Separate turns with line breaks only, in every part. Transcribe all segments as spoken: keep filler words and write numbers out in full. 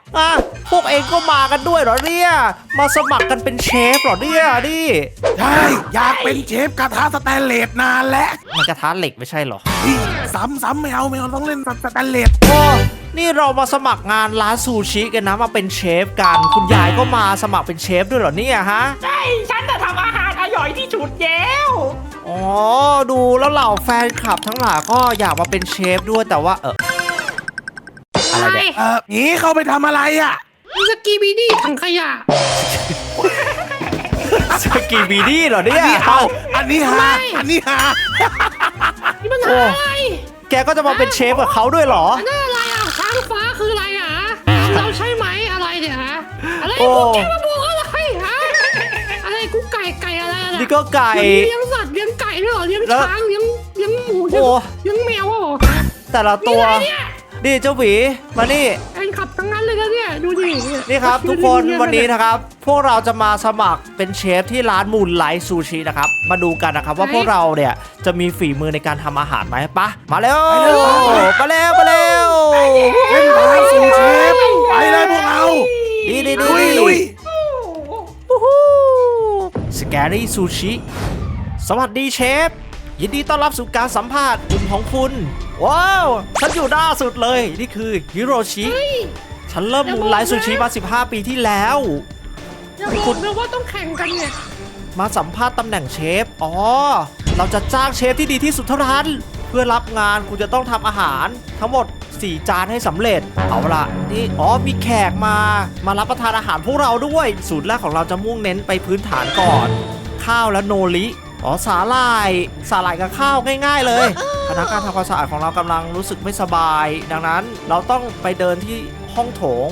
อ่ะพวกเองก็มากันด้วยเหรอเนี่ยมาสมัครกันเป็นเชฟเหรอเนี่ยดิ
ใช่อยากเป็นเชฟกระทะสแตนเลสนานแล้ว
มันกระทะเหล็กไม่ใช่เหรอ
ซ้ำซ้ำไม่เอาไม่เอาต้องเล่นสแตนเลส
โอ้นี่เรามาสมัครงานร้านซูชิกันนะมาเป็นเชฟกันคุณยายก็มาสมัครเป็นเชฟด้วยเหรอเนี่ยฮะ
ใช่ฉันจะทำอาหารอร่อยที่สุดแล้ว
อ๋อดูแล้วเหล่าแฟนคลับทั้งหลายก็อยากมาเป็นเชฟด้วยแต่ว่าเอออะไรเนี่ย
เออนี่เข้าไปทำอะไรอ่ะ
มีสกีบีดี้ถังขยะ
สกีบีดี้เหรอเนี่ย
เอาอันนี้ฮะอันนี้ฮะ
นี่มันอะไร
แกก็จะมาเป็นเชฟกับเขาด้วยเหรอ
นั่นอะไรอ่ะช้างฟ้าคืออะไรอ่ะเราใช่ไหมอะไรเนี่ยฮะอะไรกูแกมาบอกอะไรฮะอะไรกูไก่ไก่อะไร
นี่ก็ไก่
เลี้ยงสัตว์เลี้ยงไก่ด้วยเหรอเลี้ยงช้างเลี้ยงเลี้ยงหมูเลี้ยงแมวเหรอ
แต่ละตัวนี่เจ้าหวีมานี่
แอนขับทั้งนั้นเลยนะเนี่ยดูดิ
นี่ครับทุกคนวันนี้นะครับพวกเราจะมาสมัครเป็นเชฟที่ร้านมูนไลท์ซูชินะครับมาดูกันนะครับว่าพวกเราเนี่ยจะมีฝีมือในการทำอาหารไหมปะมาเร็วมาเร็วมาเร็วมาเร็ว
เล่นร้านซูชิไปเลยพวกเรา
ดีดีดีสแกรี่ซูชิสวัสดีเชฟยินดีต้อนรับสู่การสัมภาษณ์กลุ่มของคุณว้าวฉันอยู่หน้าสุดเลยนี่คือฮิโรชิฉันเริ่มมูนไลท์ซูชิมาสิบห้าปีที่แล้ว
อย่าบอกนะว่าต้องแข่งกันเนี่ย
มาสัมภาษณ์ตำแหน่งเชฟอ๋อเราจะจ้างเชฟที่ดีที่สุดเท่านั้นเพื่อรับงานคุณจะต้องทำอาหารทั้งหมดสี่จานให้สำเร็จเอาล่ะนี่อ๋อมีแขกมามารับประทานอาหารพวกเราด้วยสูตรแรกของเราจะมุ่งเน้นไปพื้นฐานก่อนข้าวและโนริอ๋อสาหร่ายสาหร่ายกับข้าวง่ายๆเลยพนักงานทำความสะอาดของเรากำลังรู้สึกไม่สบายดังนั้นเราต้องไปเดินที่ห้องโถง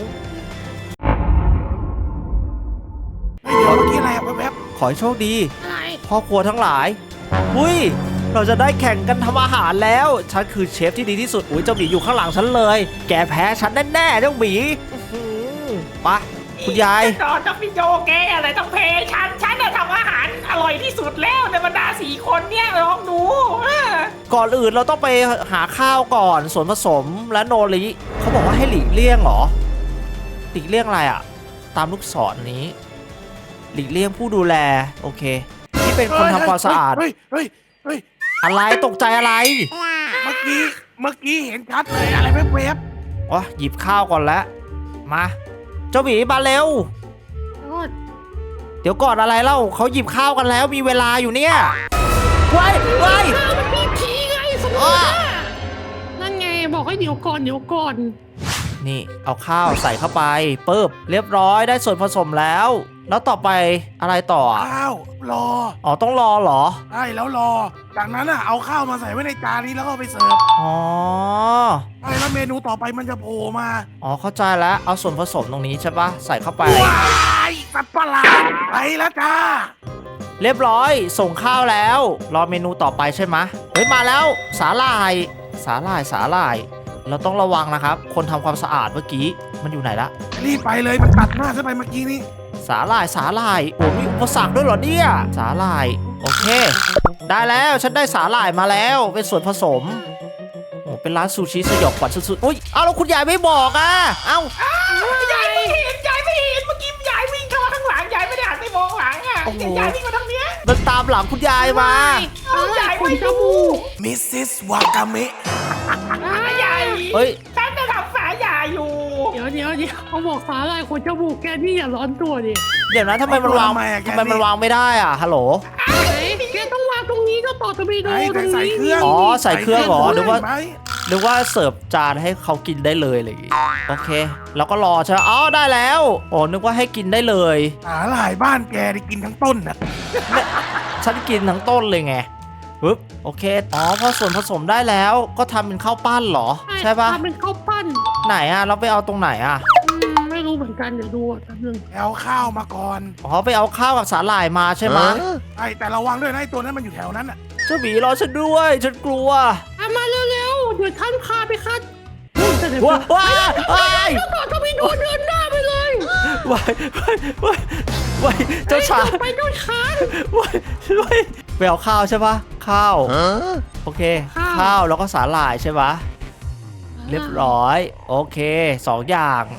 เดี๋ยวเมื่อกี้อะไรแวบ
ขอให้โชคดีพ่อครัวทั้งหลายอุ้ยเราจะได้แข่งกันทำอาหารแล้วฉันคือเชฟที่ดีที่สุดอุ้ยเจ้าหมีอยู่ข้างหลังฉันเลยแกแพ้ฉันแน่ๆเจ้าหมีปะคุณยาย
จอดต้องพี่โจแกอะไรต้องเพย์ฉันฉันจะทำอาหารอร่อยที่สุดแล้วในบรรดาสี่คนเนี่ยลองดู
ก่อนอื่นเราต้องไปหาข้าวก่อนส่วนผสมและโนริเขาบอกว่าให้หลีกเลี่ยงเหรอหลีกเลี่ยงอะไรอ่ะตามลูกศรนี้หลีกเลี่ยงผู้ดูแลโอเคที่เป็นคนทำความสะอาด
เฮ้ยเฮ้ยเฮ้ย
อะไรตกใจอะไร
เมื่อกี้เมื่อกี้เห็นชัดเลยอะไรแวบ
ๆอ๋อหยิบข้าวก่อนแล้วมาเจ้าหมีมาเร็วเดี๋ยวก่อนอะไรเล่าเขาหยิบข้าวกันแล้วมีเวลาอยู่เนี่ยว้ายว้าย
มันมีผีไงสมมตินั่นไงบอกให้เดี๋ยวก่อนเดี๋ยวก่อน
นี่เอาข้าวใส่เข้าไปปึ๊บเรียบร้อยได้ส่วนผสมแล้วแล้วต่อไปอะไรต่อ
ข้าวรอ
อ๋อต้องรอเหรอ
ใช่แล้วรอจากนั้นอ่ะเอาข้าวมาใส่ไว้ในจานนี้แล้วก็ไปเสิร์ฟ
อ๋อ
ใช่แล้วเมนูต่อไปมันจะโผล่มา
อ๋อเข้าใจแล้วเอาส่วนผสมตรงนี้ใช่ปะใส่เข้าไป
ว้ายสัตว์ประหลาดไปแล้วจ้า
เรียบร้อยส่งข้าวแล้วรอเมนูต่อไปใช่ไหมเฮ้ยมาแล้วสาหร่ายสาหร่ายสาหร่ายเราต้องระวังนะครับคนทำความสะอาดเมื่อกี้มันอยู่ไหนละ
รีบไปเลยมันตัดหน้าฉันไปเมื่อกี้นี้
สาหร่ายสาหร่ายโอ้มีอุปสรรคด้วยเหรอเนี่ยสาหร่ายโอเคได้แล้วฉันได้สาหร่ายมาแล้วเป็นส่วนผสมโอ้เป็นร้านซูชิสยองขวัญสุดๆอุ้ยเอาแล้วคุณยายไม่บอกอ่ะเอ้
ายายไม่เห็นยายไม่เห็นเมื่อกี้ยายวิ่งเข้าข้างหลังยายไม่ได้หันไปมองหลังอ่ะยายวิ่งมาทางเนี้ย
เดินตามหลังคุณยายม
ายายไม่ดู
มิสซิสวากาเมะ
ยาย
เฮ้ย
ฉันจะทำสายยาอยู่
เดี๋ยวเดี๋ยวเดี๋ยวเขาบอกสาหร่ายคนจมูกแกนี่อย่าร้อนตัวดิ
เดี๋ยวนะทำไมมันวางทำไมมันวางไม่ได้อ่ะฮัลโหล
แกต้องวางตรงนี้ก็ต่อตะบีโดตรงนี้
อ๋อใส่เครื่องเหรอหรือว่าหรือว่าเสิร์ฟจานให้เขากินได้เลยอะไรอย่างงี้โอเคแล้วก็รอใช่ไหมอ๋อได้แล้วโอ้นึกว่าให้กินได้เลย
สาหร่ายบ้านแกได้กินทั้งต้นน่ะ
ฉันกินทั้งต้นเลยไงปึ๊บโอเคอ๋อพอส่วนผสมได้แล้วก็ทำเป็นข้าวปั้นเหรอใช่ปะ
ทำเป็นข้าวปั้น
ไหนอะเราไปเอาตรงไหนอะ
ไม่รู้เหมือนกันเดี๋ยวดูแป๊บนึง
เอาข้าวมาก่อน
อ๋อไปเอาข้าวกับสาหร่ายมาใช่ไหม
ใช่แต่ระวังด้วยนะไอ้ตัวนั้นมันอยู่แถวนั้นอะ
เจ้าหมีรอฉันด้วยฉันกลัว
มาเร็วๆเดี๋ยวท่านพาไปคัด
ว้าวว้าวว้าว
ต่อทวีโดนเดินหน้าไปเลย
ว้าวว้าวว้าวเจ้าชาย
ไปเจ้าชาย
ว้าวว้าวไปเอาข้าวใช่ปะข้าวโอเคข้าวแล้วก็สาหร่ายใช่ปะเรียบร้อยโอเคสองอย่าง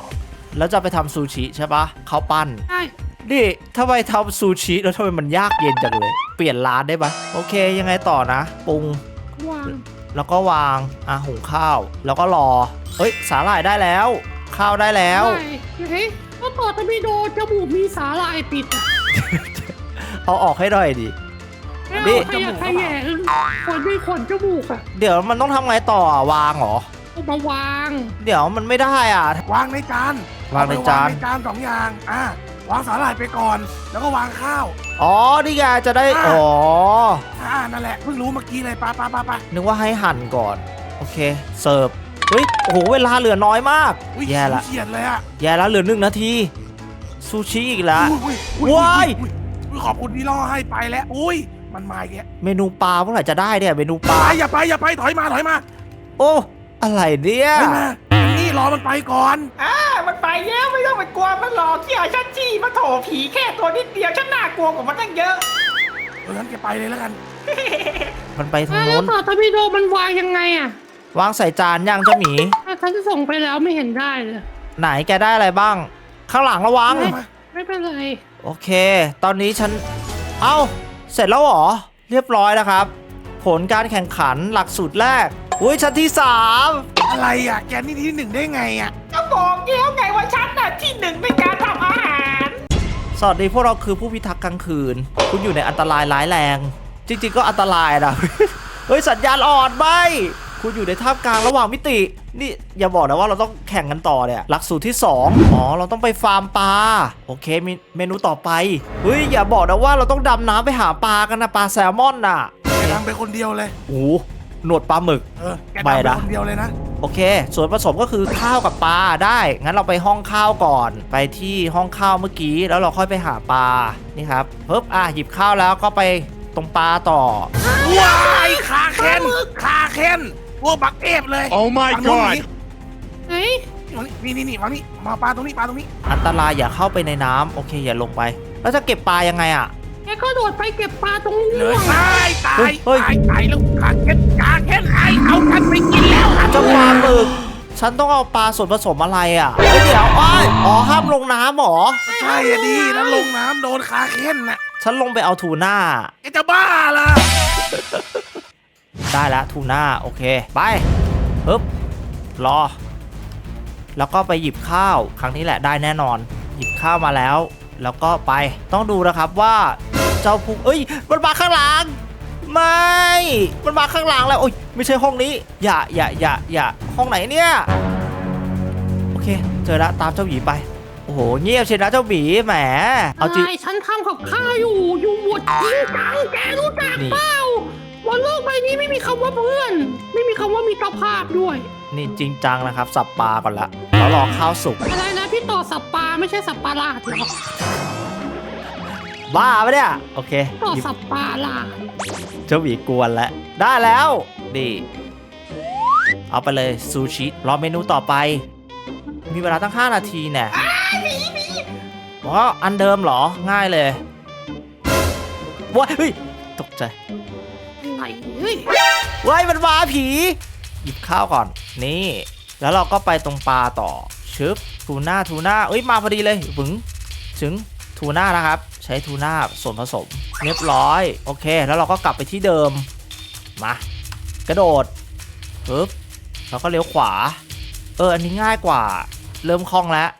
แล้วจะไปทำซูชิใช่ปะข้าวปั้น
ใช่
นี่ถ้าไปทำซูชิแล้วทำไมมันยากเย็นจังเลย เปลี่ยนร้านได้ปะโอเคยังไงต่อนะปรุง
วาง
แล้วก็วางอ่ะหุงข้าว แล้วก็รอเฮ้ยสาหร่ายได้แล้ว ข้าวได้แล้ว
ได้เฮ้ยก็ต่อตะบีโดจมูกมีสาลายปิดอ่ะ
เอาออกให้หน่อยดิ
ไม่
นี่
เอาขยะขยะขนด้วยขนจมูกอ่ะ
เดี๋ยวมันต้องทำไงต่ออ่ะวางเหรอ
เอามาวาง
เดี๋ยวมันไม่ได้อ่ะ
วางในจาน
วางในจาน
เอไปวางในจานสองอย่างอ่าวางสาหร่ายไปก่อน แล้วก็วางข้าว
อ๋อนี่ไงจะได้
อ่ะ
อ๋อ
อ่านั่นแหละเพิ่งรู้เมื่อกี้เลยไปไปไปไป
นึกว่าให้หั่นก่อนโอเคเสิร์ฟเฮ้ยโอ้โหเวลาเหลือน้อยมาก
อุ้ย
แย่ละ
เฉียดเลยอ่ะ
แย่แล้วเหลือหนึ่งนาทีซูชิอีกแล้ว
อุ้ยอุ้ยอุ้
ว้าย
อุ้ยอุ้ยขอบคุณที่ล่อให้ไปแล้วอุ้ยมันมาอีกแล้ว
เมนูปลาเมื่อไหร่จะได้เนี่ยเมนูป
ไป
ลา
อย่าไปอย่าไปถอยมาถอยมา
โอ้อะไรเนี่ย
ถอยมาอันนี่รอมันไปก่อน
อ่ามันไปแล้วไม่ต้องไปกลัวมันหลอกเที่ยวฉันจี้มาโถผีแค่ตัวนิดเดียวฉันน่ากลัวกว่ามันตั้งเยอะ
เอองั้นแกไปเลยแล้วกัน
มันไปทาง
อ่ะแล้
โน้
วน ต่อตะบีโดมันวางยังไงอ่ะ
วางใส่จานย่างเจ้าหมี
อ่ะฉันส่งไปแล้วไม่เห็นได้เลย
ไหนแกได้อะไรบ้าง ข้างหลังระวัง
ไม่ไม่เป็นไร
โอเค ตอนนี้ฉัน เอ้า เสร็จแล้วเหรอ เรียบร้อยนะครับ ผลการแข่งขันหลักสูตรแรก อุ้ยชั้นที่สาม
อะไรอ่ะแกนี่ที่หนึ่งได้ไงอ่ะ
ก็บอกแล้วไงว่าฉันน่ะที่หนึ่งในการทำอาหาร
สวัสดีพวกเราคือผู้พิทักษ์กลางคืน คุณอยู่ในอันตรายร้ายแรง จริงๆก็อันตรายนะ เฮ้ยสัญญาณอ่อนไปคุณอยู่ในท่ามกลางระหว่างมิติ นี่อย่าบอกนะว่าเราต้องแข่งกันต่อเนี่ย หลักสูตรที่สองอ๋อ เราต้องไปฟาร์มปลา โอเคมีเมนูต่อไป เฮ้ยอย่าบอกนะว่าเราต้องดำน้ำไปหาปลากันนะปลาแซลมอนน่ะ
แกทำไปคนเดียวเลย
โอ้โหหนวดปลาหมึก
เออแก
ไป
ทำไป
นะ
คนเดียวเลยนะ
โอเค ส่วนผสมก็คือข้าวกับปลาได้ งั้นเราไปห้องข้าวก่อน ไปที่ห้องข้าวเมื่อกี้ แล้วเราค่อยไปหาปลา นี่ครับปึ๊บอ่ะหยิบข้าวแล้วก็ไปตรงปลาต่อ
ว้ายขาเค้นขาเค้นพวกบักเอฟเลย
Oh my
ฝั่งนู้น
god
เฮ้ย
นี่นี่นี่ฝั่งนี้มาปลาตรงนี้ปลาตรงนี้
อันตรายอย่าเข้าไปในน้ำโอเคอย่าลงไป แล้วจะเก็บปลายังไงอ่ะ
แกก็โดดไปเก็บปลาตรงนี้
เลยตายตา
เฮ้
ย
ยเฮ้ย
ตายตายแล้วขาเค้นขาเค้นไอเอากันไปกินแล้ว
เจ้าปลาหมึก ฉันต้องเอาปลาส่วนผสมอะไรอ่ะเฮ้ยเดี๋ยวอ้อยอ๋อห้ามลงน้ำเหรอ
ใช่อะดีแล้วลงน้ำโดนขาเค้นน่ะ
ฉันลงไปเอาทูน่า
แกจะบ้าล่ะ
ได้แล้วทูน่าโอเคไปปึ๊บรอ แล้วก็ไปหยิบข้าวครั้งนี้แหละได้แน่นอน หยิบข้าวมาแล้ว แล้วก็ไปต้องดูนะครับว่าเจ้าพุงเอ้ยมันมาข้างหลังไม่มันมาข้างหลังแล้วโอ้ยไม่ใช่ห้องนี้ อย่าอย่าอย่าอย่าห้องไหนเนี่ยโอเคเจอแล้วตามเจ้าหมีไปโอ้โหเงียบเชียวนะเจ้าหมีแหมเอาจริง
อะไรฉันทำกับข้าวอยู่ อยู่หมดจริงจังแกรู้จัก
นี่
เปล่าบนโลกใบนี้ไม่มีคำว่าเพื่อน ไม่มีคำว่ามีตรภาพด้วย
นี่จริงจังนะครับสับปลาก่อนละแล้วรอข้าวสุก
อะไรนะพี่ต่อสับปลาไม่ใช่สับปลาลาดเหรอ
บ้าปะเนี่ยโอเค
ต่อ
หยิบ
สับปลาลาด
เจ้าหมีกวนแล้วได้แล้วนี่เอาไปเลยซูชิรอเมนูต่อไป มีเวลาตั้งห้านาทีแน่อ๋ออันเดิมเหรอง่ายเลยว้ายเฮ้ยตกใจ
อะไรเฮ้ย
ว้ายมันมาผีหยิบข้าวก่อนนี่แล้วเราก็ไปตรงปลาต่อชึบทูน่าทูน่าเอ้ยมาพอดีเลยบึงถึงทูน่านะครับใช้ทูน่าส่วนผสมเรียบร้อยโอเคแล้วเราก็กลับไปที่เดิมมากระโดดปึ๊บแล้วก็เลี้ยวขวาเอออันนี้ง่ายกว่าเริ่มคล่องแล้ว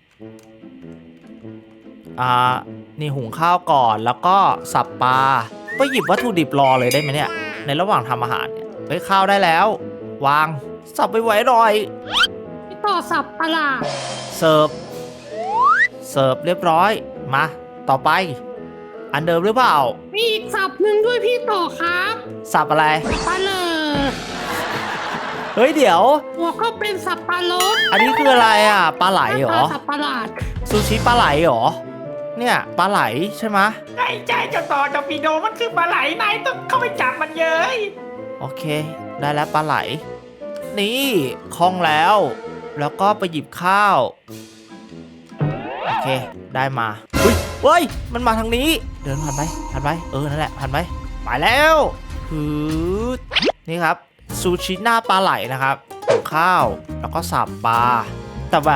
อ่านี่หุงข้าวก่อนแล้วก็สับปลาไปหยิบวัตถุดิบรอเลยได้ไหมเนี่ยในระหว่างทำอาหารเนี่ยเฮ้ยข้าวได้แล้ววางสับไปไว้หน่อย
พี่ต่อสับปลาลาด
เสิร์ฟเสิร์ฟเรียบร้อยมาต่อไป อันเดิมหรือเปล่า
มีอีกสับหนึ่งด้วยพี่ต่อครับ
สับอะไร
ปลาเลอ
เฮ้ยเดี๋ยว
หัวก็เป็นสับปลาลด
อันนี้คืออะไรอ่ะปลาไหลเหรอ
สับปลาลาด
ซูชิปลาไหลเหรอเนี่ยปลาไหลใช่ไหมะ
ใช่ใช่เจ้าต่อเจ้าปีโดมันคือปลาไหลนายต้องเข้าไปจับมันเย้ย
โอเค ได้แล้วปลาไหล นี่คล่องแล้ว แล้วก็ไปหยิบข้าวโอเคได้มาอุ้ยเฮ้ยมันมาทางนี้ เดินผ่านไปผ่านไปเออนั่นแหละผ่านไปไปแล้วฮือนี่ครับซูชิหน้าปลาไหลนะครับหุงข้าวแล้วก็สับปลาแต่แบบ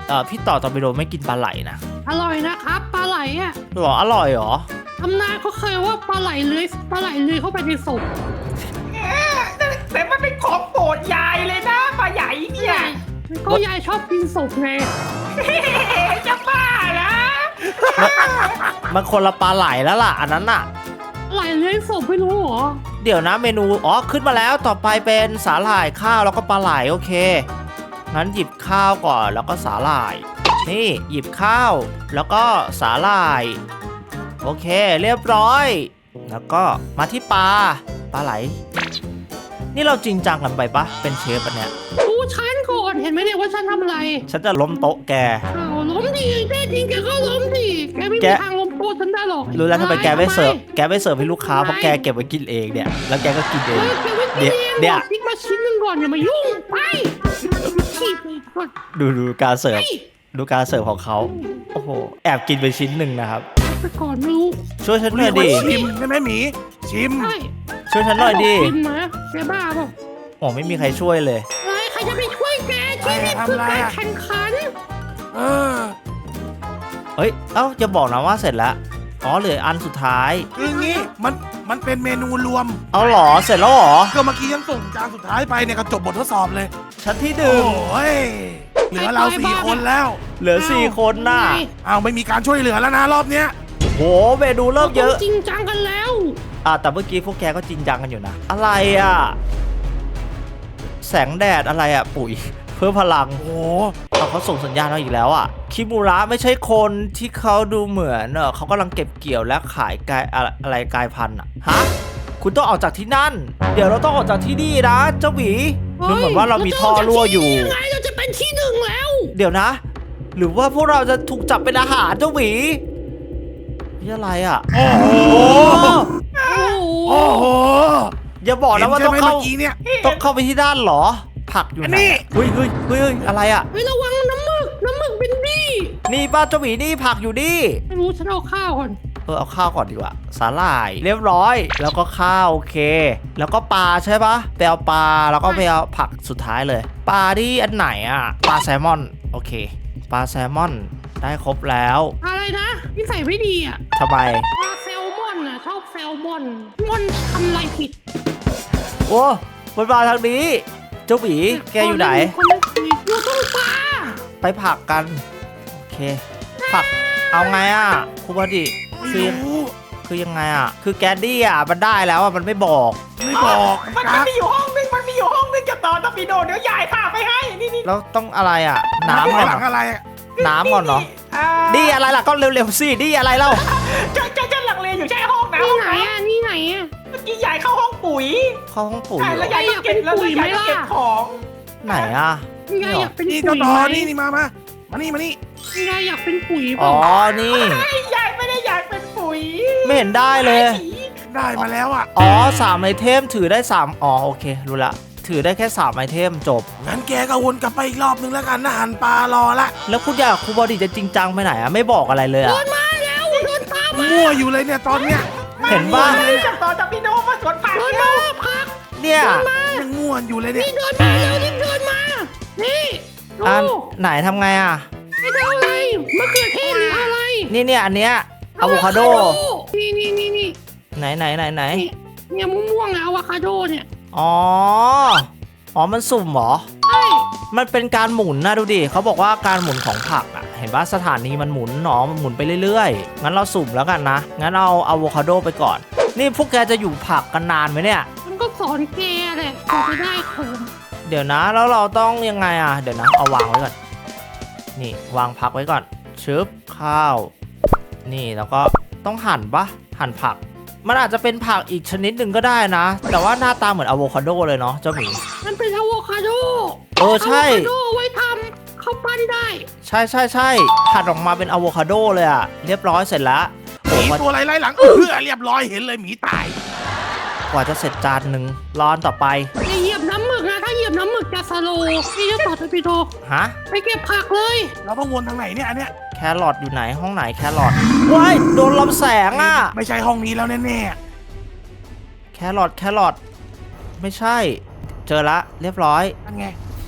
เออพี่ต่อตอร์ปิโดไม่กินปลาไหลนะ
อร่อยนะครับปลาไหลอ่ะ
หรออร่อยหรอ
ตำนานเขาเคยว่าปลาไหลเลื้อยปลาไหลเลื้อยเข้าไปในศพ
แต่มันเป็นของโปรดยายเลยนะปลาใหญ่เนี่ย
ก็ยายชอบกินศพไง
จะบ้านะ
มันคนละปลาไหลแล้วล่ะอันนั้นน่ะ
ปลาไหลเลื้อยศพไม่รู้เหรอ
เดี๋ยวนะเมนูอ๋อขึ้นมาแล้วต่อไปเป็นสาหร่ายข้าวแล้วก็ปลาไหลโอเคงั้นหยิบข้าวก่อนแล้วก็สาหร่าย นี่หยิบข้าวแล้วก็สาหร่ายโอเคเรียบร้อย แล้วก็มาที่ปลาปลาไหล นี่เราจริงจังกันไปปะเป็นเชฟอันเนี้ย
ดูฉันก่อนเห็นไหมเนี่ยว่าฉันทำอะไร
ฉันจะล้มโต๊ะแก
อ้าวล้มดีแน่จริงแกก็ล้มดีแกไม่
แก
มีทางล้มโต๊ะฉันได้หรอก
รู้แล้วทำไมแกไม่เสิร์ฟ
ทำ
แกไม่เสิร์ฟให้ลูกค้าเพราะแกเก็บไว้กินเองเนี่ยแล้วแกก็กินเอ
เอง อแกไม่กินเอง
เดี๋ยว
ทิ้งมาชิ้นหนึงก่อนอย่ามายุ่งไปขี้ไปก่อน
ดูดูการเสิร์ฟ
ไป
ดูการเสิร์ฟของเขาโอ้โหแอบกินไปชิ้นหนึ่งนะครับ
ไปก่อนไม่รู้
ช่วยฉันหน่อยดิ
ชิมใช่ไหมหมีชิม
ใช่
ช่วยฉันหน่อยดิ
กินมาแกบ้าเปล่า
โอ้ไม่มีใครช่วยเลย
เฮ้ยใครจะไปช่วยแกที่นี่คือการแข่งขัน
เออ
เฮ้ย เอ้าจะบอกนะว่าเสร็จแล้ว อ๋อเหลืออันสุดท้าย
คืองี้มันมันเป็นเมนูรวม
เอาเหรอ เสร็จแล้วเหรอ
ก็เมื่อกี้ยังส่งจานสุดท้ายไปเนี่ยก็จบบททดสอบเลย
ชั้นที่ห
โอ้
นึ่ง
ยเหลือเราสี่คนแล้ว
เหลือสี่คนน่ะ
อ้าวไม่มีการช่วยเหลือแล้วนะรอบเนี้ย
โหเมนูเริ่มเยอะ
จริงจังกันแล้ว
อ่ะแต่เมื่อกี้พวกแกก็จริงจังกันอยู่นะ อะไรอ่ะ แสงแดดอะไรอ่ะ ปุ๋ย เพิ่มพลัง
โอ้โห
เอาเขาส่งสัญญาณมาอีกแล้วอ่ะ คิมูระไม่ใช่คนที่เขาดูเหมือนเออเขากำลังเก็บเกี่ยวและขายกายอะไรอะไรกายพันธุ์อ่ะ ฮะ คุณต้องออกจากที่นั่น เดี๋ยวเราต้องออกจากที่นี่นะเจ้าหมีดูเหมือนว่าเรามีท่อรั่วอยู่
ยังไงเราจะเป็นที่หนึ่งแล้ว
เดี๋ยวนะ หรือว่าพวกเราจะถูกจับเป็นอาหารเจ้าหมีนี่อะไรอ่ะ
โอ้โห
โอ้
โอ้โห
โอ้โห
อย่าบอกนะว่า
เห็
ต้อง
ใช่ไหม
เข้า
เมื่อกี้เนี่ย
ต้องเข้าไปที่ด้านเหรอ ผักอยู่ไหน
นี่
เฮ้ยเฮ้ยเฮ้ยเฮ้ยอะไรอ่ะ
เฮ้ยระวังน้ำหมึกน้ำหมึกเป็นบี้
นี่ป้าเจ้าหมีนี่ผักอยู่นี่
ไม่รู้ฉันเอาข้าวก่อน
เออเอาข้าวก่อนดีกว่าสาหร่ายเรียบร้อย แล้วก็ข้าวโอเค แล้วก็ปลาใช่ปะไปเอาปลาแล้วก็ไปเอาผักสุดท้ายเลย ปลาที่อันไหนอ่ะปลาแซลมอนโอเคปลาแซลมอนได้ครบแล้ว
อะไรนะนิสัยไม่ดีอ่ะ
ทำไม
ปลาแซลมอนอ่ะชอบแซลมอนมอนทำอะไรผิด
โอ้มันมาทางนี้ เจ้าหมีแกอยู่ไหน
คนนั้นอยู่ตรงปลา
ไปผักกัน โอเค ผักเอาไงอ่ะครูบดิ
ไม่
คือ
รู้
คือยังไงอ่ะ คือแกดดี้อ่ะมันได้แล้วอ่ะมันไม่บอก
ไม่บอก
มัน
กั
มัน
ก
มีอยู่ห้องนึงมันมีอยู่ห้องนึงจะต่อตะปีโดเดี๋ยวยายพาไปให้นี่นี่
แล้วต้องอะไรอ่ะ น้ำ
น้ำ
ก่อน
ห
เหร
ลั
อง
อะไรอะ
น้ำก่อนเนาะ
อ่า
ดีอะไรล่ะก็เร็วๆสิดีอะไรเล่า
จะจะจะหลังเลอยู่ใช่ห้องนะ
นี่
ห้อง
ไหน
นะ
อ่ะนี่ไหนอ่ะ
เมื่อกี้ยายเข้าห้องปุ๋ย
เข้าห้องปุ๋ย
ใช่
เหร
แล้ว
อย
ายก็เก็บแล้วยายก็เก็บของ
ไหนอ่ะ
ยายอยากเป็น
นี่
ปุ๋
เจ้าย ต่อ
ไหม
นี่นี่มามามานี่มานี่
ยายอยากเป็นปุ๋ยเป
อ๋อ
ล่า
นี่
ไอ้ยายไม่ได้อยากเป็นปุ๋ย
ไม่เห็นได้เลย
ได้มาแล้วอ่ะ
อ๋อสามไอเทมถือได้สามอ๋อโอเครู้ละถือได้แค่สามไอเทมจบ
งั้นแกก็วนกลับไปอีกรอบนึงแล้วกันนะหันปลารอละ
แล้วคุณอยากครูบอดีจะจริงจังไปไหนอ่ะไม่บอกอะไรเลยอ่ะ
เดินมาแล้วเดินตามมา
มั่วอยู่เลยเนี่ยตอนเนี้ย
เห็นป่ะ
ไม่ได้จะต่อตะปีโดมาสวนผัก
เดิน
แล้
มาว พัก
เนี่ย
ยังมั่วอยู่เลยเนี่ย
นี่เดินมาเร็วรีบเดินมา นี่ดู
อันไหนทำไงอ่ะ
ไม่ได้อะไรมะเขือเทศหรืออะไร
นี่เนี่ยอันเนี้ยอะโวคาโด
นี่นี่นี่นี่
ไหนไหนไหนไหน
นี่เนี่ยม่วงๆอะอะโวคาโดเนี่ย
อ๋ออ๋อมันสุ่มเหรอ
ใช่
มันเป็นการหมุนนะดูดิเขาบอกว่าการหมุนของผักอ่ะเห็นว่าสถานีมันหมุนหนอมันหมุนไปเรื่อยๆงั้นเราสุ่มแล้วกันนะงั้นเอาอะโวคาโดไปก่อน นี่พวกแกจะอยู่ผักกันนานไหมเนี่ย
มันก็สอนแกแหละกว่าจะได้ของ
เดี๋ยวนะแล้วเราต้องยังไงอ่ะเดี๋ยวนะเอาวางไว้ก่อนนี่วางผักไว้ก่อนชึบข้าว นี่แล้วก็ต้องหั่นปะหั่นผัก มันอาจจะเป็นผักอีกชนิดหนึ่งก็ได้นะ แต่ว่าหน้าตาเหมือนอะโวคาโดเลยเนาะเจ้าหมี
มันเป็นอะโวคาโด
เออใช่
อะโวคาโดไว้ทำข้าวปั้นได้
ใช่ใช่ใช่หั่นออกมาเป็นอะโวคาโดเลยอะเรียบร้อยเสร็จแล้ว
ห
โอ้
มี
มัน
ตัวอะไรไล่หลังเออเรียบร้อยเห็นเลยหมีตาย
กว่าจะเสร็จจานหนึ่งร้อนต่อไป
อย่าเหยียบน้ำหมึกนะถ้าเหยียบน้ำหมึกจะสโลว์นี่จะต่อทปิโด
ฮะ
ไปเก็บผักเลย
เราต้องวนทางไหนเนี่ยอันเนี้ย
แครอทอยู่ไหนห้องไหนแครอทว้ายโดนลำแสงอะ
ไม่ใช่ห้องนี้แล้วแน่
แครอทแครอทไม่ใช่ เจอละเรียบร้อย
ๆนั่นไง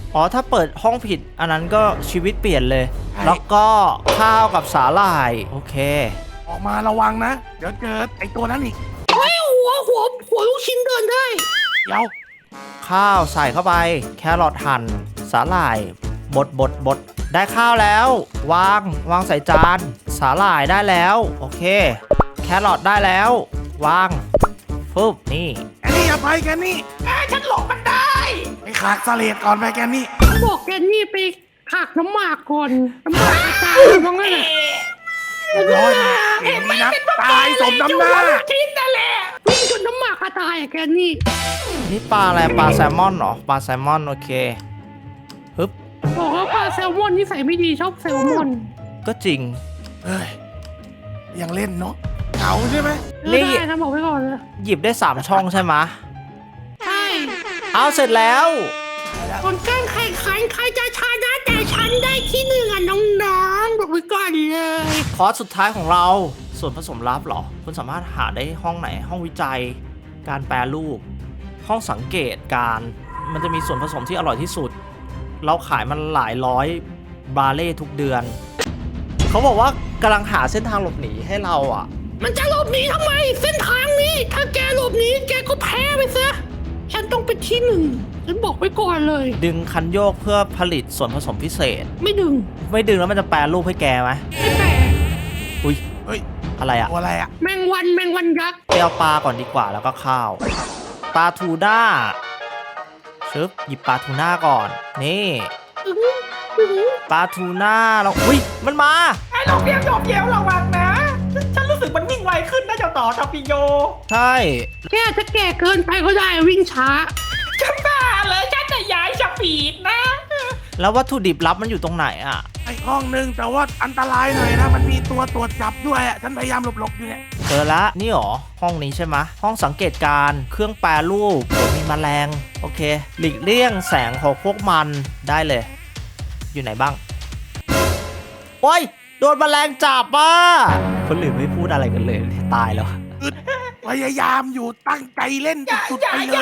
อ๋อถ้าเปิดห้องผิดอันนั้นก็ชีวิตเปลี่ยนเลย แล้วก็ข้าวกับสาหร่ายโอเค
ออกมาระวังนะ เดี๋ยวเจอไอ้ตัวนั้นอีก
เฮ้ยหัวหัวหัวลูกชิ้นเดินได้
เดี๋ยว
ข้าวใส่เข้าไปแครอทหั่นสาหร่ายบดบดบดได้ข้าวแล้ว วางวางใส่จานสาหร่ายได้แล้วโอเคแครอทได้แล้ว วางปุ๊บนี่
แกนี่อย่าไปแกนี่
เอ้ยฉันหลบมันได้
ไปขากสเลดก่อนไปแกนี่
บอกแกนี่ไปหักน้ำหมากก่อนน้ำหมากกระจายมั้งนั่นแหละ
ร้อยเห็นไหมนะตายสมน้ำหน้า
ชิ้นนั่นแหละ
วิ่งจนน้ำหมากกระจายอะแกนี่
นี่ปลาอะไรปลาแซลมอนเหรอปลาแซลมอนโอเคฮึบ
บอกว่าปลาแซลมอนนิสัยไม่ดีชอบแซลมอน
ก็จริง
เอ้ยยังเล่นเนาะเหงาใช่ไหม
นี่
นี่ได้นะบอกไว้ก่อนเลย
หยิบได้สามช่องใช่ไหม
ใช่
เอาเสร็จแล้ว
ผลการแข่งขันใครจะชนะแต่ฉันได้ที่หนึ่งอ่ะน้องๆบอกไว้ก่อนเลย
คอร์สสุดท้ายของเราส่วนผสมลับเหรอคุณสามารถหาได้ห้องไหนห้องวิจัย การแปรรูป ห้องสังเกตการ มันจะมีส่วนผสมที่อร่อยที่สุด เราขายมันหลายร้อยบาเล่ทุกเดือน เขาบอกว่ากำลังหาเส้นทางหลบหนีให้เราอ่ะ
มันจะหลบหนีทำไมเส้นทางนี้ ถ้าแกหลบหนีแกก็แพ้ไปซะฉันต้องเป็นที่หนึ่งฉันบอกไว้ก่อนเลย
ดึงคันโยกเพื่อผลิตส่วนผสมพิเศษ
ไม่ดึง
ไม่ดึงแล้วมันจะแปรรูปให้แกไหม
ไม่แปล
อุ้ย
เฮ้ย
อะไรอ่ะ
ตัวอะไรอ่ะ
แมงวันแมงวันยักษ์
ไปเอาปลาก่อนดีกว่าแล้วก็ข้าวปลาทูน่าชึบหยิบปลาทูน่าก่อนนี่
อื้ออื้อ
ปลาทูน่าเราอุ้ยมันมา
ไอ้เราเพียงโยบเยวระวังนะ ฉันรู้สึกมันวิ่งไวขึ้นนะเจ้าต่อทอปิโย
ใช่
แกจะแก่เกินไปก็ได้วิ่งช้า
ฉันบ้าเลยฉันจะย้ายสปีดนะ
แล้ววัตถุดิบลับมันอยู่ตรงไหนอ่ะ
ไอ้ห้องนึงแต่ว่าอันตรายหน่อยนะ มันมีตัวตรวจจับด้วยอ่ะฉันพยายามหลบๆอยู่เนี่ย
เจอละนี่หรอห้องนี้ใช่ไหมห้องสังเกตการณ์เครื่องแปรรูปโอ้มีแมลงโอเค หลีกเลี่ยงแสงของพวกมันได้เลย อยู่ไหนบ้างโอ้ยโดนแมลงจับอ่ะคนอื่นไม่พูดอะไรกันเลยตายแล้ว
พยายามอยู่ตั้งใจเล่นสุดๆไปเลย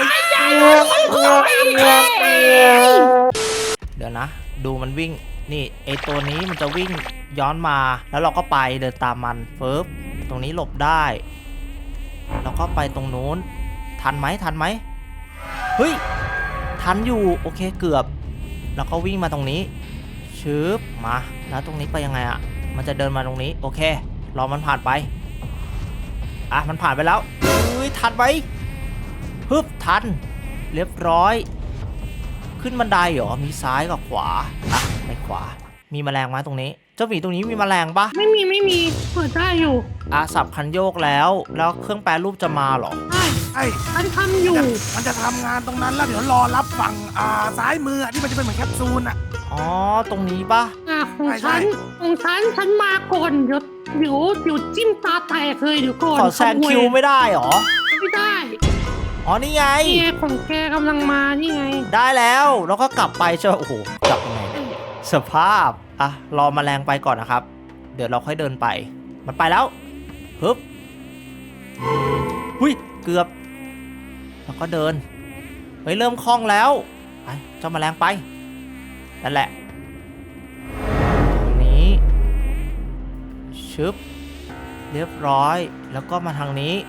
เดี๋ยวนะ ดูมันวิ่งนี่ไอตัวนี้มันจะวิ่งย้อนมาแล้วเราก็ไปเดินตามมันเฟิบตรงนี้หลบได้แล้วก็ไปตรงนู้นทันไหมทันไหมเฮ้ยทันอยู่โอเคเกือบแล้วก็วิ่งมาตรงนี้ชึบมาแล้วตรงนี้ไปยังไงอะมันจะเดินมาตรงนี้โอเครอมันผ่านไปอ่ะมันผ่านไปแล้วเฮ้ยทันไหมฮึบทันเรียบร้อยขึ้นบันไดเหรอมีซ้ายกับขวาอ่ะไปขวามีแมลงไหมตรงนี้เจ้าหมีตรงนี้มีแมลงปะ
ไม่มีไม่มีเปิดได้อยู่
อาสับคันโยกแล้วแล้วเครื่องแปรรูปจะมาเหรอ
ใช่
ไอ้
ฉันทำอยู่
มันจะทำงานตรงนั้นแล้วเดี๋ยวรอรับฝั่งอ่าซ้ายมืออะที่มันจะเป็นเหมือนแคปซูลอ่ะ
อ๋อตรงนี้ปะ
อ่ะของ
ใช่
ฉันของฉันฉันมาก่อนเดี๋ยวเดี๋ยวเดี๋ยวจิ้มตาแตกเลยเดี๋ยวก่อน
ขอแซงคิวไม่ได้เหรอ
ไม่ได้
อ๋อนี่ไง
นี่ไงของแกกำลังมานี่ไง
ได้แล้วแล้วก็กลับไปใช่ไหมโอ้โหกลับยังไงเนี่ยสภาพอ่ะรอแมลงไปก่อนนะครับ เดี๋ยวเราค่อยเดินไปมันไปแล้วฮึบอืมหุยเกือบแล้วก็เดินเฮ้ยเริ่มคล่องแล้วไปเจ้าแมลงไปนั่นแหละตรงนี้ชึบเรียบร้อยแล้วก็มาทางนี้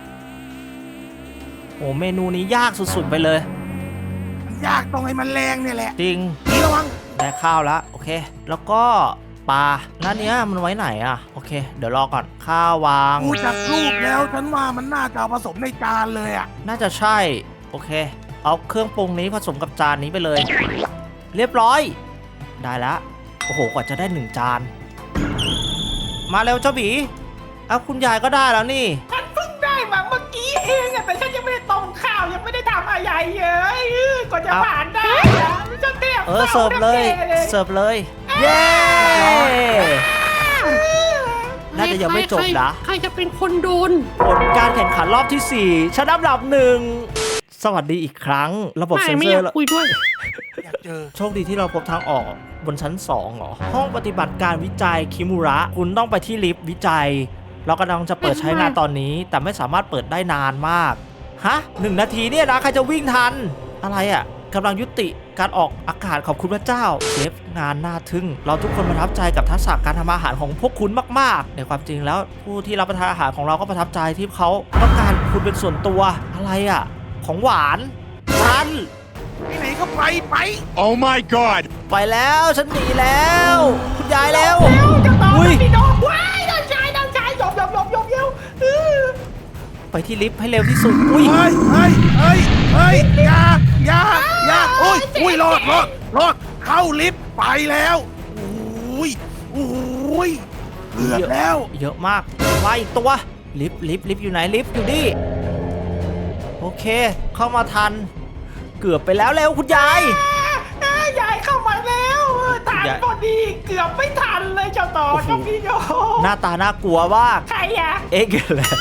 โอ้เมนูนี้ยากสุดๆไปเลย
มันยากตรงไอ้มันแรงเนี่ยแหละ
จริง
นี่ระวัง
ได้ข้าวแล้วโอเค แล้วก็ปลาแล้วเนี้ยมันไว้ไหนอ่ะโอเค เดี๋ยวรอก่อนข้าววาง
ดูจากรูปแล้วฉันว่ามันน่าจะเอาผสมในจานเลยอ่ะ
น่าจะใช่โอเค เอาเครื่องปรุงนี้ผสมกับจานนี้ไปเลย เรียบร้อย ได้แล้วโอ้โหกว่าจะได้หนึ่งจาน มาเร็วเจ้าบีเอาคุณยายก็ได้แล้วนี่
ฉันเพิ่งได้มาเมื่อกี้เองอะแต่ฉันยังไม่ได้ต้มข้าวยังไม่ได้ทำอะไรเลยเออกว่าจะ
เอา
ผ่านได้อะฉันเตรียม
เออเสิร์ฟเลยเสิร์ฟเลยเย้น่าจะยังไม่จบนะ
ใครจะเป็นคนโดน
ผลการแข่งขันรอบที่สี่ชนะอันดับหนึ่งสวัสดีอีกครั้ง ระบบ
ไม่
เซ็น
ไม่
เซ
อ
อร์
ยากคุยด้วย
อยากเจอ
โชคดีที่เราพบทางออกบนชั้นสองเหรอ ห้องปฏิบัติการวิจัยคิมุระ คุณต้องไปที่ลิฟต์วิจัย เรากำลังจะเปิดใช้งานตอนนี้ แต่ไม่สามารถเปิดได้นานมาก ฮะหนึ่งนาทีเนี่ยนะ ใครจะวิ่งทัน อะไรอะ่ะกำลังยุติการออกอากาศขอบคุณพระเจ้าเชฟงานน่าทึ่งเราทุกคนประทับใจกับทักษะการทำอาหารของพวกคุณมากๆในความจริงแล้วผู้ที่รับประทานอาหารของเราก็ประทับใจที่เขาต้องการคุณเป็นส่วนตัวอะไรอ่ะของหวานฉัน
ไปไหนก็ไปไป
Oh my god!
ไปแล้วฉันหนีแล้วคุณยายแล้ว
เร็วจะต่อ
อุ้ย
พี่น้องว้ายด้านชายด้านชายหยบหยบหยบหยบเยวเออ
ไปที่ลิฟต์ให้เร็วที่สุดอุ้ย
เฮ้ยเฮ้ยเฮ้ยเฮ้ยอย่าอย่าอย่าอุ้ยอุ้ยรอดรอดรอดเข้าลิฟต์ไปแล้วอุ้ยอุ้ยเกือบแล้ว
เยอะมากมาอีกตัวลิฟต์ลิฟต์ลิฟต์อยู่ไหนลิฟต์อยู่นี่โอเค เข้ามาทัน เกือบไปแล้วเร็วคุณยาย
อ่ายายเข้ามาแล้วเออทัน
ยาย
พอดีเกือบไม่ทันเลยเจ้าต่อ
โอ้โห
เจ้าพี่น้อง
หน้าตาน่ากลัวมาก
ใครอะ
เอ็กซ์เลย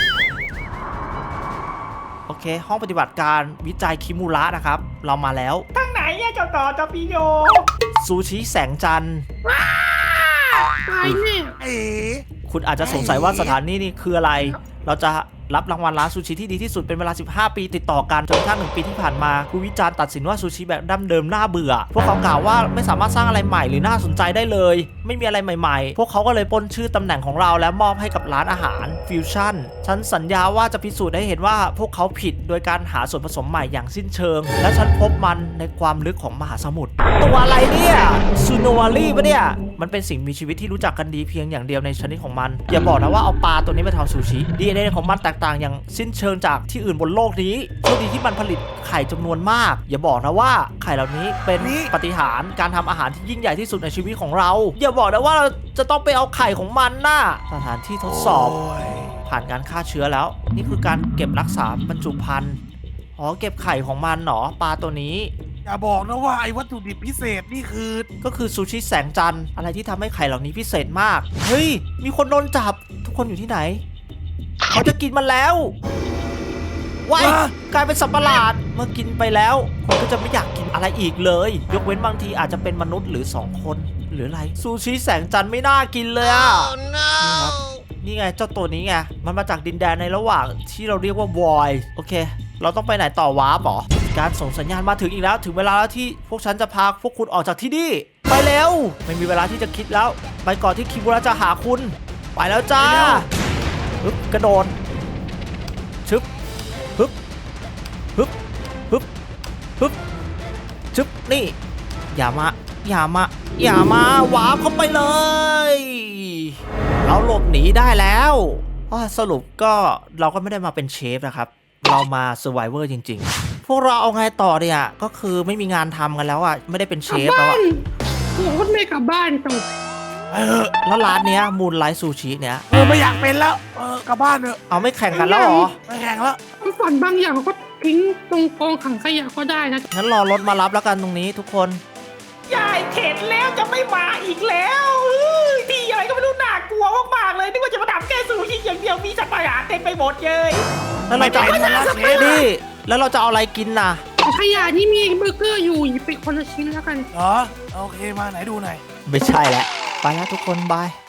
โอเค ห้องปฏิบัติการวิจัยคิมูระนะครับ เรามาแล้ว
ทางไหนอะเจ้าต่อเจ้าพี่โย
ซูชิแสงจันทร์
ตายแน่
เอ๋
คุณอาจจะสงสัยว่าสถานที่นี่คืออะไร เราจะรับรางวัลร้านซูชิที่ดีที่สุดเป็นเวลา สิบห้า ปีติดต่อกันจนกระทั่งหนึ่งปีที่ผ่านมาผู้วิจารณ์ตัดสินว่าซูชิแบบดั้งเดิมน่าเบื่อ พวกเขากล่าวว่าไม่สามารถสร้างอะไรใหม่หรือน่าสนใจได้เลย ไม่มีอะไรใหม่ๆ พวกเขาก็เลยปล้นชื่อตำแหน่งของเราและมอบให้กับร้านอาหารฟิวชั่นฉันสัญญาว่าจะพิสูจน์ให้เห็นว่าพวกเขาผิดโดยการหาส่วนผสมใหม่อย่างสิ้นเชิง และฉันพบมันในความลึกของมหาสมุทรตัวอะไรเนี่ยซูโนวารีปะเนี่ยมันเป็นสิ่งมีชีวิตที่รู้จักกันดีเพียงอย่างเดียวในชนิดของมันอย่าบอกนะว่าเอาปลาตัวนี้มาทำซูชิ ดี เอ็น เอ ของมันแตกต่างอย่างสิ้นเชิงจากที่อื่นบนโลกนี้โชคดีที่มันผลิตไข่จำนวนมาก อย่าบอกนะว่าไข่เหล่านี้เป็นปาฏิหาริย์การทำอาหารที่ยิ่งใหญ่ที่สุดในชีวิตของเรา อย่าบอกนะว่าเราจะต้องไปเอาไข่ของมันน่ะสถานที่ทดสอบ
โย
ผ่านการฆ่าเชื้อแล้ว นี่คือการเก็บรักษาบรรจุภัณฑ์อ๋อเก็บไข่ของมันเหรอปลาตัวนี้
อย่าบอกนะว่าไอ้วัตถุดิบพิเศษนี่คือ
ก็คือซูชิแสงจันทร์อะไรที่ทำให้ไข่เหล่านี้พิเศษมากเฮ้ยมีคนโดนจับทุกคนอยู่ที่ไหน เขาจะกินมันแล้วว้ายกลายเป็นสัตว์ประหลาดเมื่อกินไปแล้วคุณก็จะไม่อยากกินอะไรอีกเลย ยกเว้นบางทีอาจจะเป็นมนุษย์หรือสองคนหรืออะไรซูชิแสงจันทร์ไม่น่ากินเลยอ่ะ นี่ครับนี่ไงเจ้าตัวนี้ไงมันมาจากดินแดนในระหว่างที่เราเรียกว่าวอยโอเค เราต้องไปไหนต่อวาร์ปหรอการส่งสัญญาณมาถึงอีกแล้วถึงเวลาแล้วที่พวกฉันจะพาพวกคุณออกจากที่นี่ไปเร็วไม่มีเวลาที่จะคิดแล้ว ไปก่อนที่คิมุระจะหาคุณไปแล้วจ้าฮึบกระโดดชึบฮึบฮึบฮึบฮึบชึบนี่อย่ามาอย่ามาอย่ามาวาร์ปเข้าไปเลยเราหลบหนีได้แล้วอ้อสรุปก็เราก็ไม่ได้มาเป็นเชฟนะครับเรามาเซอร์ไวเวอร์จริงๆพวกเราเอาไงต่อเนี่ยก็คือไม่มีงานทำกันแล้วอ่ะไม่ได้เป็นเช
กลับ
ฟแล้ว
บ้า
อะ
นโอ้โหไม่กลับบ้านจบ
เออ
แล้วร้านเนี้ยมูนไลท์ซูชิเนี้ย
เออไม่อยากเป็นแล้วเออกลับบ้านเถอะ
เอาไม่แข่งกันแล้วเหรอ
ไม่แข่งแล้ว
ความฝันบางอย่างก็ทิ้งตรงกองขังขยะก็ได้นะ
งั้นรอรถมารับแล้วกันตรงนี้ทุกคน
ยายเข็ดแล้วจะไม่มาอีกแล้วเฮ้ยที่อะไรก็ไม่รู้น่ากลัวมากๆเลยนึกว่าจะมาทำแค่ซูชิอย่างเดียวมีสัตว์ประหลาดเต็มไปหมดเลย
แล้วเราจะ
ไม่เป็นไรนะเชฟ
นี่แล้วเราจะเอาอะไรกินน่ะ
ขยะนี่มีเบอร์เกอร์อยู่หยิบไปคนละชิ้นแล้วกัน
เหรอโอเคมาไหนดูหน่อย
ไม่ใช่แล้วไปแล้วทุกคนบาย